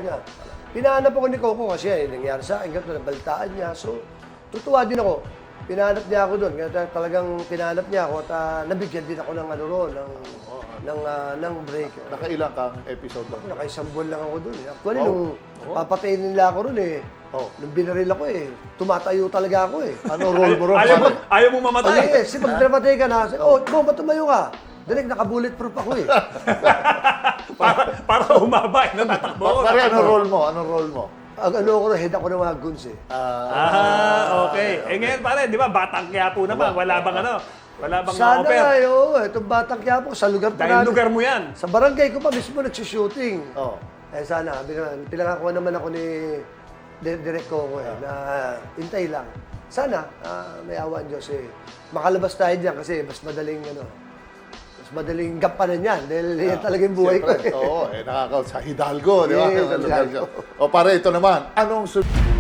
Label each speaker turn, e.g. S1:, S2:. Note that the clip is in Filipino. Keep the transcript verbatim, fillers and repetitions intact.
S1: niya. Pinahanap ako ni Coco kasi eh, nangyari sa akin, ganito, nabalitaan niya. So, tutuwa din ako. Pinahanap niya ako doon. Kaya talagang pinahanap niya ako at uh, nabigyan din ako ng ano roon, ng,
S2: Oh,
S1: ng, uh, ng break.
S2: Nakailang kang episode lang?
S1: Nakaisang buwan lang ako doon. Eh. Actually,
S2: Oh.
S1: nung
S2: Oh.
S1: papatayin nila ako roon eh,
S2: Oh.
S1: nung binaril ako eh, tumatayo talaga ako eh.
S2: Ano role mo ron?
S3: Ayaw mo,
S2: Paano?
S3: ayaw mo
S1: Ay,
S3: mamatay.
S1: eh, kasi pag namatay ka na, oh, mo, ba't tumayo ka? Direk, naka-bulletproof ako eh.
S3: para, para humaba, eh, natatakbo ko.
S2: Pare, ano role mo? Anong role mo?
S1: Ang ano ako, head ako ng mga guns eh.
S2: Ah,
S3: Ah, okay. Eh ngayon pare, di ba, Batang Quiapo naman, wala bang ano, wala bang
S1: Sana
S3: offer?
S1: nga, eh, oo, itong batang Quiapo, sa lugar pa
S3: Dahil
S1: namin.
S3: lugar mo yan.
S1: Sa barangay ko pa mismo nagsushooting.
S2: oh.
S1: Eh sana, bilang- pinangakuha naman ako ni Di- Direk Coco eh, na hintay lang. Sana, ah, may awa ang Diyos eh. Makalabas tayo dyan kasi mas madaling, ano, mas madaling gampanan yan. Dahil yan talaga yung buhay ko
S2: Siyempre,
S1: eh.
S2: Oo, eh, nakaka sa Hidalgo, di ba?
S1: Yes,
S2: Ang lugar
S1: Hidalgo.
S2: siya. O pare, ito naman, anong su-